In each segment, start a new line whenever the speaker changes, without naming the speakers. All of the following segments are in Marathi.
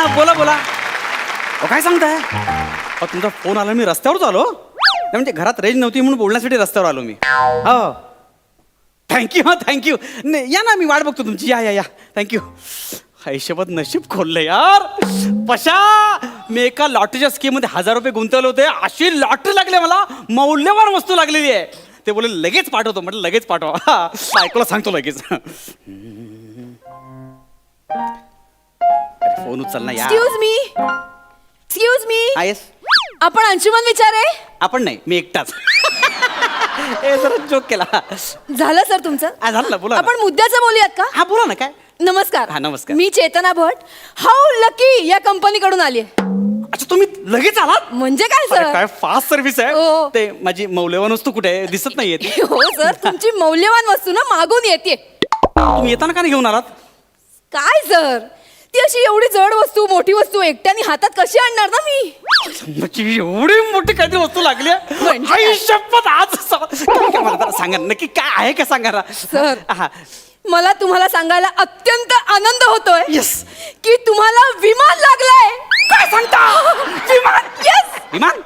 बोला बोला. अहो काय सांगताय? अहो तुमचा फोन आला, मी रस्त्यावरच आलो. नाही म्हणजे घरात रेंज नव्हती म्हणून बोलण्यासाठी रस्त्यावर आलो मी. हो थँक्यू. हा थँक्यू. नाही या ना, मी वाट बघतो तुमची. या या या थँक्यू. हिशोबात नशीब खोललं यार. पशा मी एका लॉटरीच्या स्कीममध्ये 1000 रुपये गुंतवले होते. अशी लॉटरी लागली मला, मौल्यवान वस्तू लागलेली आहे. ते बोले लगेच पाठवतो. म्हटलं लगेच पाठवा. बायकोला सांगतो लगेच. फोन उचल ना यार.
Excuse me.
येस.
आपण अंशुमन विचारे?
आपण नाही, मी एकटाच. ए जरा जोक केला.
झालं सर तुमचं?
झालं ना, बोला.
आपण मुद्द्याचं बोलूयात का?
हा बोला ना. काय?
नमस्कार.
हा नमस्कार.
मी चेतना भट, हाऊ लकी या कंपनीकडून आली आहे.
अच्छा तुम्ही लगेच आलात?
म्हणजे काय
अरे,
सर?
काय फास्ट सर्व्हिस आहे.
हो.
ते माझी मौल्यवान वस्तू कुठे आहे? दिसत नाहीये ती.
हो सर, तुमची मौल्यवान वस्तू ना मागून येते.
तुम्ही येताना का नाही घेऊन आलात?
काय सर, ती अशी एवढी जड वस्तू, मोठी वस्तू एकट्याने हातात कशी आणणार ना मी?
म्हणजे एवढी मोठी काहीतरी वस्तू लागली आहे?
म्हणजे
आई शपथ आज काय मला जरा सांगा नक्की काय आहे का सांगा ना.
सर.
हा.
मला तुम्हाला सांगायला अत्यंत आनंद होतोय
Yes.
की तुम्हाला विमान लागलंय.
काय सांगता? विमान?
येस.
विमान?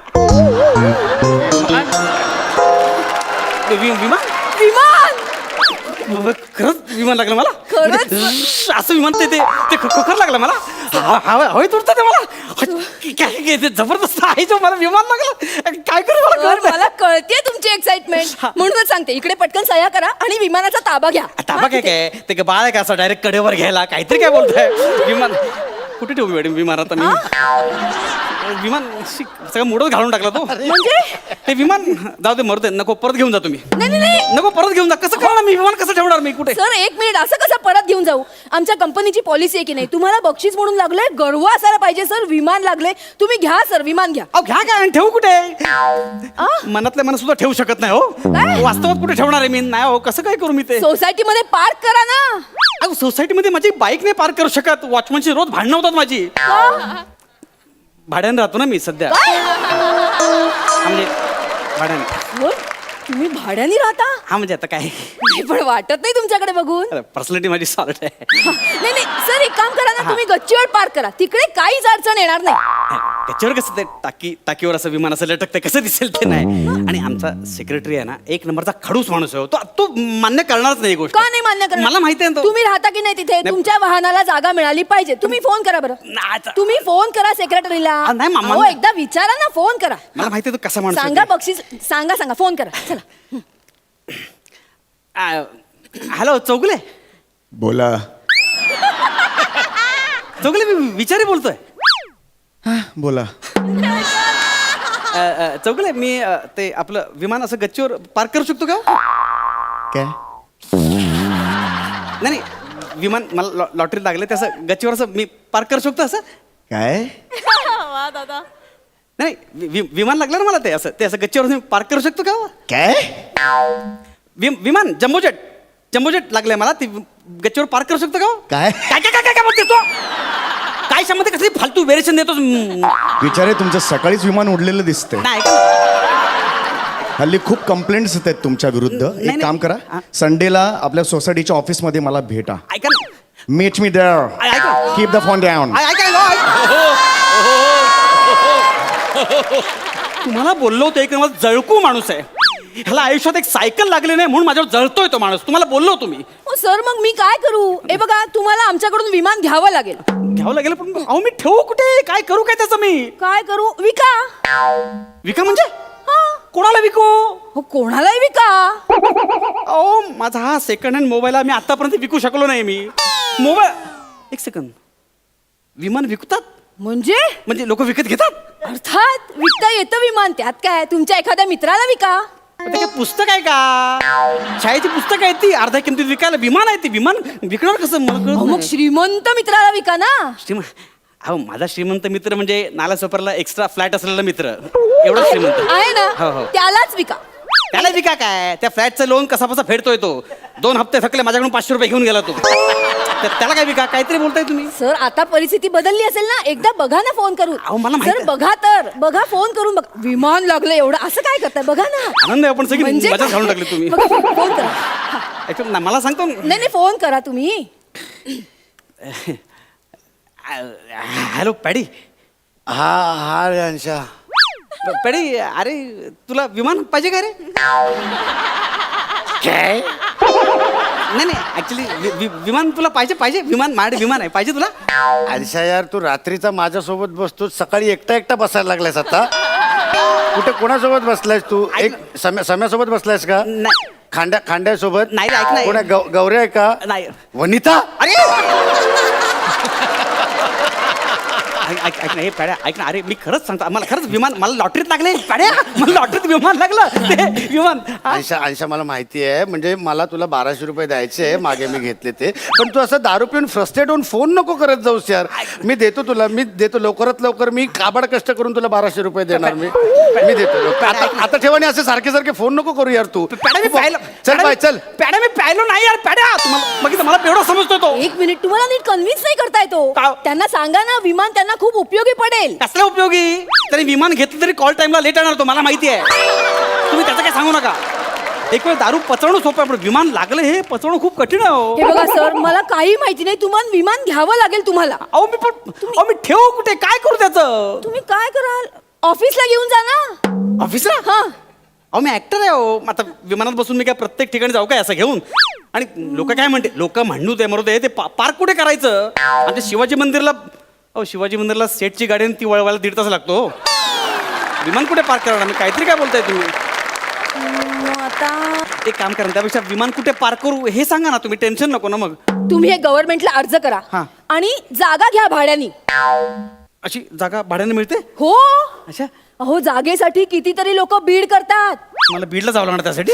विमान?
विमान.
खरंच विमान लागलं मला?
खरंच?
म्हणजे असं विमान ते खोखर लागलं मला. हवेत उडतं ते मला. काय ते जबरदस्त आहे जो मला विमान लागलं. काय करू मला
सर,
कळत नाही.
मला कळते तुमची एक्साइटमेंट, म्हणूनच सांगते इकडे पटकन सह्या करा आणि विमानाचा ताबा घ्या.
ताबा काय काय ते काय बाळ आहे का असं डायरेक्ट कडेवर घ्यायला? काहीतरी काय बोलताय? विमान कुठे ठेवू मॅडम विमान? आता मी विमान सगळं मोडच घालून टाकला तो.
म्हणजे
ते विमान जाऊ दे, मरू दे. नको, परत घेऊन जा तुम्ही.
नाही
नको, परत घेऊन जा. कसं करणार मी? विमान कसं ठेवणार मी? कुठे?
सर, एक मिनिट. असं कसं परत घेऊन जाऊ? आमच्या कंपनीची पॉलिसी आहे की नाही, तुम्हाला बक्षीस म्हणून लागलंय, गर्व असायला पाहिजे. सर विमान लागले, तुम्ही घ्या सर, विमान घ्या.
अहो घ्या काय आणि ठेवू कुठे? मनातल्या मनात सुद्धा ठेवू शकत नाही हो. वास्तवात कुठे ठेवणार आहे मी? नाही हो, कसं काय करू मी ते?
सोसायटी मध्ये पार्क करा ना.
अहो सोसायटीमध्ये माझी बाईक नाही पार्क करू शकत. वॉचमनची रोज भांडणं होतात माझी. भाड्याने राहतो ना मी सध्या. म्हणजे भाड्याने.
हो? तुम्ही भाड्याने राहता?
हा म्हणजे आता काय,
नाही पण वाटत नाही तुमच्याकडे बघून.
पर्सनॅलिटी माझी सॉल्ट आहे.
नाही सर, एक काम करा ना, तुम्ही गच्चीवर पार्क करा, तिकडे काहीच अडचण येणार नाही.
त्याच्यावर कसं ते टाकीवर असं विमान असं लटकतं, कसं दिसेल ते नाही. आणि आमचा सेक्रेटरी आहे ना, एक नंबरचा खडूस माणूस आहे. तो मान्य करणारच नाही गोष्ट.
का नाही मान्य करणार?
मला माहिती आहे.
तुम्ही राहता की नाही तिथे? तुमच्या वाहनाला जागा मिळाली पाहिजे. तुम्ही फोन करा बरं. तुम्ही फोन करा सेक्रेटरीला.
नाही मामा,
हो, एकदा विचारा ना, फोन करा.
मला माहिती आहे तो कसा माणूस आहे.
सांगा बक्षीस, सांगा फोन करा. चला.
हॅलो चौगले.
बोला.
चौगले मी विचारी बोलतोय.
बोला.
चौगले मी ते आपलं विमान असं गच्चीवर पार्क करू शकतो का?
काय?
नाही विमान मला लॉटरी लागले ते असं गच्चीवर असं मी पार्क करू शकतो असं?
काय?
वा दादा.
नाही विमान लागलं ना मला ते असं गच्चीवर पार्क करू शकतो का?
काय?
विमान जम्बोजेट लागलंय मला, ती गच्चीवर पार्क करू शकतो का?
काय?
काय काय काय काय बोलते तू? काय शामध्ये कसली फालतू व्हेरिएशन देतो?
विचारे, तुमचं सकाळीच विमान उडलेलं दिसतंय.
नाही
हल्ली खूप कंप्लेंट्स येत आहेत तुमच्या विरुद्ध. एक काम करा, संडेला आपल्या सोसायटीच्या ऑफिसमध्ये मला भेटा.
ऐका ना.
Meet me there.
ऐका.
Keep the phone down.
तुम्हाला बोललो होतो एक नंबर जळकू माणूस आहे. ह्याला आयुष्यात एक सायकल लागली नाही म्हणून माझ्यावर जळतोय तो माणूस. तुम्हाला बोललो तुम्ही.
हो सर, मग मी काय करू? हे बघा, तुम्हाला आमच्याकडून विमान घ्यावं लागेल.
घ्यावं लागेल पण अहो मी ठेवू कुठे? काय करू काय त्याचं मी?
काय करू? विका.
विका म्हणजे? कोणाला विकू?
हो, कोणालाही विका.
अहो माझा हा सेकंड हँड मोबाईल मी आतापर्यंत विकू शकलो नाही. मी मोबाईल एक सेकंड, विमान विकतात म्हणजे लोक विकत घेतात?
अर्थात विकता येतं विमान, त्यात काय? तुमच्या एखाद्या मित्राला विका.
ते काय पुस्तक आहे का? शाळेची पुस्तक आहे ती अर्ध्या किमतीत विकायला. विमान आहे ती, विमान विकणार कसं? मला कळत
अहो, मग
नाही.
श्रीमंत मित्राला विका ना.
अहो माझा श्रीमंत मित्र म्हणजे नालासोपरला एक्स्ट्रा फ्लॅट असलेला मित्र, एवढा श्रीमंत
आहे
हो,
ना,
हो.
त्यालाच विका.
त्याला विका काय? त्या फ्लॅटचं लोन कसा फेडतोय तो. 2 हप्ते थकले, माझ्याकडून 500 रुपये घेऊन गेला तो. त्याला काय विका? काहीतरी बोलताय तुम्ही.
सर, आता परिस्थिती बदलली असेल ना, एकदा बघा ना फोन करून.
अहो, मला माहिती
सर
आहे.
बघा फोन करून बघा. विमान लागलं एवढं असं काय करताय? बघा ना.
आनंद आहे, आपण सगळी
म्हणजे
मजा घालून टाकली तुम्ही.
बघा, फोन करा.
मला सांगतो
नाही फोन करा तुम्ही.
Hello Paddy.
हा हा रे अंशा.
पॅडी अरे तुला विमान पाहिजे का रे?
काय
नाही नाही ऍक्च्युली विमान तुला पाहिजे विमान माझ्याकडे विमान आहे, पाहिजे तुला?
अंशा यार, तू रात्रीचा माझ्यासोबत बसतो, सकाळी एकटा बसायला लागलायस आता. कुठे कोणासोबत बसलायस तू? एक सम्यासोबत बसलायस का?
नाही
खांड्यासोबत?
नाही, ऐक ना.
कोणा गौऱ्या आहे का?
नाही.
वनिता?
अरे ऐक ना हे पॅड्या, ऐक ना. अरे मी खरंच सांगतो, मला खरंच विमान, मला लॉटरीत लागले पॅड्या, मला लॉटरीत विमान लागलं ते विमान.
अंशा मला माहिती आहे, म्हणजे मला तुला 1200 रुपये द्यायचे मागे मी घेतले ते, पण तू असं दारू पिऊन फ्रस्ट्रेट होऊन फोन नको करत जाऊस यार. मी देतो लवकरात लवकर, मी काबाड कष्ट करून तुला 1200 रुपये देणार. मी देतो. आता ठेवा, आणि असे सारखे फोन नको करू यार तू.
पॅड्या मी प्यायलो.
चल बाय चल.
पॅड्या मी प्यायलो नाही यार पॅड्या, तुम्हाला बघितलं मला एवढं समजतो तो.
एक मिनिट, तुम्हाला नीट कन्व्हिन्स नाही करता येतो.
का?
त्यांना सांगा ना, विमान त्यांना खूप उपयोगी पडेल.
कसलं उपयोगी? तरी विमान घेतलं तरी कॉल टाइमला लेट येणार तो, मला माहिती आहे. तुम्ही त्याचं काय सांगू नका. एक वेळ दारू पचवणं सोपं आहे, पण विमान लागलं हे पचवणं खूप कठीण आहे हो.
हे बघा सर, मला काही माहिती नाही. तुम्हाला विमान घ्यावं लागेल तुम्हाला.
मी ठेवू कुठे, काय करू त्याचं?
तुम्ही काय कराल? ऑफिसला घेऊन जा ना.
ऑफिसला?
हा.
अहो मी ऍक्टर आहे हो. आता विमानात बसून मी काय प्रत्येक ठिकाणी जाऊ काय असं घेऊन? आणि लोक काय म्हणते, लोक म्हणू दे मरू दे, ते पार्क कुठे करायचं? आमच्या शिवाजी मंदिरला, अहो शिवाजी मंदिरला सेटची गाडी आणि ती वळवायला 1.5 तास लागतो. विमान कुठे पार्क करणार? मी काहीतरी काय बोलताय तुम्ही?
आता
एक काम करा, त्यापेक्षा विमान कुठे पार्क करू हे सांगा ना तुम्ही, टेन्शन नको ना मग.
तुम्ही हे गव्हर्नमेंटला अर्ज करा
हा.
आणि जागा घ्या भाड्यानी.
अशी जागा भाड्याने मिळते?
हो.
अच्छा,
अहो जागेसाठी कितीतरी लोक बीड करतात.
मला बीडला जावं लागणार त्यासाठी.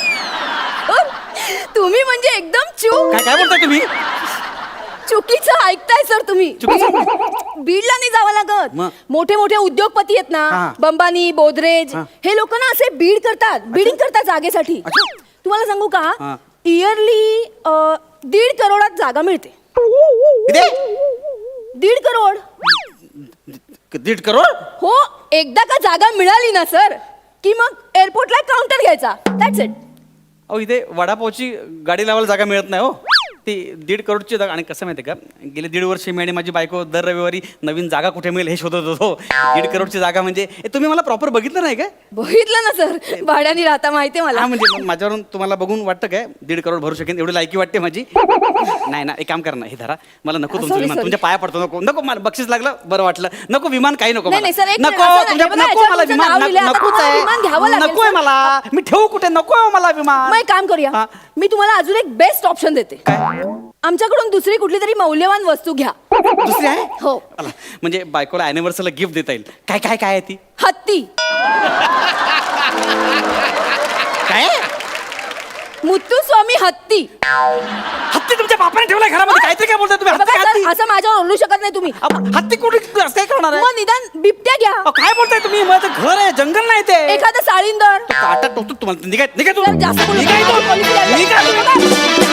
तुम्ही म्हणजे एकदम चूक.
काय बोलताय तुम्ही?
चुकीचं ऐकताय सर तुम्ही. बीडला नाही जावं लागत.
मग?
मोठे मोठे उद्योगपती आहेत
हा.
ना, बंबानी, बोदरेज,
हा.
हे लोक ना असे बीड करतात, बिडिंग करतात जागेसाठी.
अच्छा.
तुम्हाला सांगू का,
हा.
इयरली 1.5 करोडात जागा मिळते.
किती?
1.5 करोड.
1.5 करोड?
हो. एकदा का जागा मिळाली ना सर, की मग एअरपोर्टला काउंटर घ्यायचा. That's it.
अहो इथे वडापावची गाडी लावायला जागा मिळत नाही हो. ती 1.5 करोडची जागा. आणि कसं माहिती आहे का, गेले 1.5 वर्ष मी आणि माझी बायको दर रविवारी नवीन जागा कुठे मिळेल हे शोधत होतो. 1.5 करोडची जागा म्हणजे तुम्ही मला प्रॉपर बघितलं नाही काय?
बघितलं ना सर, भाड्याने राहता माहितीये मला.
हा म्हणजे माझ्यावरून तुम्हाला बघून वाटतं काय 1.5 करोड भरू शकेन एवढी लायकी वाटते माझी? नाही ना, एक काम करा ना, हे धरा. मला नको तुमचं
Sorry,
विमान,
sorry.
तुमच्या पाया पडतो. नको मला बक्षीस लागलं बरं वाटलं. नको विमान, काही नको
नाही,
मला.
नाही, sir, एक
नको
मिनिट, असं नाही.
तुमच्या-
बघा,
नको
याच्यावर
मला
तुमचं
विमान,
नाव लिहिलंय, आता
नकोच
तुम्हाला
आहे.
विमान घ्यावं लागेल,
नकोय
sir.
मला. मी ठेवू कुठे? नको मला विमान.
मग एक काम करूया,
हा.
मी तुम्हाला अजून एक बेस्ट ऑप्शन देते. आमच्याकडून दुसरी कुठली तरी मौल्यवान वस्तू घ्या.
दुसरी आहे?
हो.
चला, म्हणजे बायकोला अॅनिव्हर्सरीला गिफ्ट देता येईल. काय काय काय आहे ती?
हत्ती.
काय?
मुत्तुस्वामी हत्ती.
हत्ती तुमच्या बापाने ठेवलाय घरामध्ये? काहीतरी काय बोलताय तुम्ही?
बघा
हत्ती,
सर,
हत्ती?
असं माझ्यावर ओरडू शकत नाही तुम्ही.
हत्ती कुठे असं काय करणार आहे?
मग निदान बिबट्या घ्या.
अहो, काय बोलताय तुम्ही? माझं घर आहे, जंगल नाही ते.
एखादं साळींदर.
काटा टोचतो तुम्हाला. निघाय
जर जास्त बोलू
निघाय
नका, पोलिस यायला.
निघाय